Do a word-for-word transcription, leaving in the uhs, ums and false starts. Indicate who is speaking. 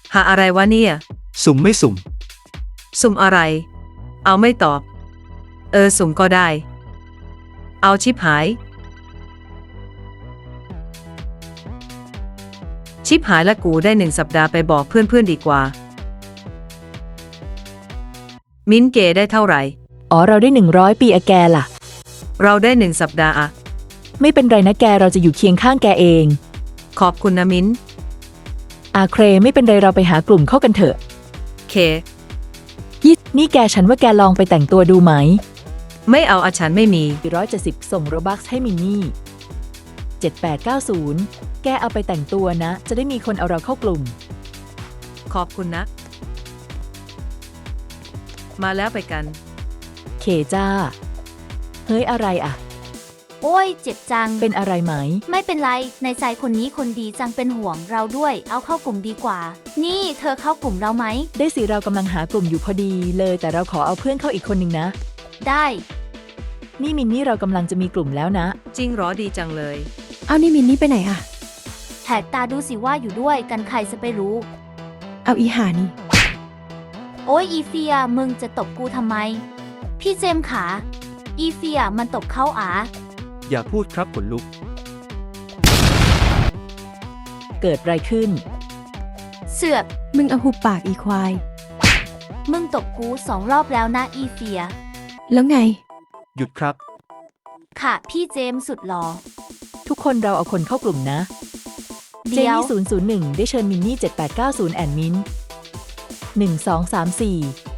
Speaker 1: หาอะไรวะเนี่ย
Speaker 2: สุ่มไม่สุ่ม
Speaker 1: สุ่มอะไร เอาไม่ตอบ เออสุ่มก็ได้ เอาชิบหาย ชิบหายละกูได้หนึ่งสัปดาห์ไปบอกเพื่อนๆดีกว่า มิ้นเกได้เท่าไหร่
Speaker 3: อ๋อเราได้หนึ่งร้อยปีอะแกล่ะ
Speaker 1: เราได้หนึ่งสัปดาห์อะ
Speaker 3: ไม่เป็นไรนะแกเราจะอยู่เคียงข้างแกเอง
Speaker 1: ขอบคุณนะมิ้น
Speaker 3: อาเครไม่เป็นไรเราไปหากลุ่มเข้ากันเถอะ
Speaker 1: เค
Speaker 3: ยินี่แกฉันว่าแกลองไปแต่งตัวดูไหม
Speaker 1: ไม่เอาอาฉันไม่มี
Speaker 3: สี่ร้อยเจ็ดสิบส่งโรบัคให้มินนี่เจ็ดแปดเก้าศูนย์แกเอาไปแต่งตัวนะ จะได้มีคนเอาเราเข้ากลุ่ม
Speaker 1: ขอบคุณนะ มาแล้วไปกัน
Speaker 3: เคจ้า เฮ้ยอะไรอะ
Speaker 4: โอ้ยเจ็บจัง
Speaker 3: เป็นอะไรไหม
Speaker 4: ไม่เป็นไรในใจคนนี้คนดีจังเป็นห่วงเราด้วย เอาเข้ากลุ่มดีกว่า นี่เธอเข้ากลุ่มเราไหม
Speaker 3: ได้สิเรากำลังหากลุ่มอยู่พอดีเลย แต่เราขอเอาเพื่อนเข้าอีกคนหนึ่งนะ
Speaker 4: ได้
Speaker 3: นี่มินนี่เรากำลังจะมีกลุ่มแล้วนะ
Speaker 1: จริงเหรอดีจังเลย
Speaker 5: เอานี่มินนี่ไปไหนอะ
Speaker 4: แหกตาดูสิว่าอยู่ด้วยกันใครจะไปรู้
Speaker 5: เอาอีหานี่
Speaker 4: โอ้ยอีเฟียมึงจะตบกูทำไม พี่เจมส์ขาอีเฟียมันตบเข้าอา
Speaker 2: อย่าพูดครับขนลุก
Speaker 3: เกิดอะไรขึ้น
Speaker 4: เสือก
Speaker 5: มึงเอาหุบปากอีควาย
Speaker 4: มึงตบกูสองรอบแล้วนะอีเฟีย
Speaker 5: แล้วไง
Speaker 2: หยุดครับ
Speaker 4: ค่ะพี่เจมส์สุดหล่อ
Speaker 3: ทุกคนเราเอาคนเข้ากลุ่มนะ เจ
Speaker 4: เดี๋ยว
Speaker 3: นี่ศูนย์ศูนย์หนึ่งได้เชิญมินนี่เจ็ดแปดเก้าศูนย์แอนมินหนึ่งสองสามสี่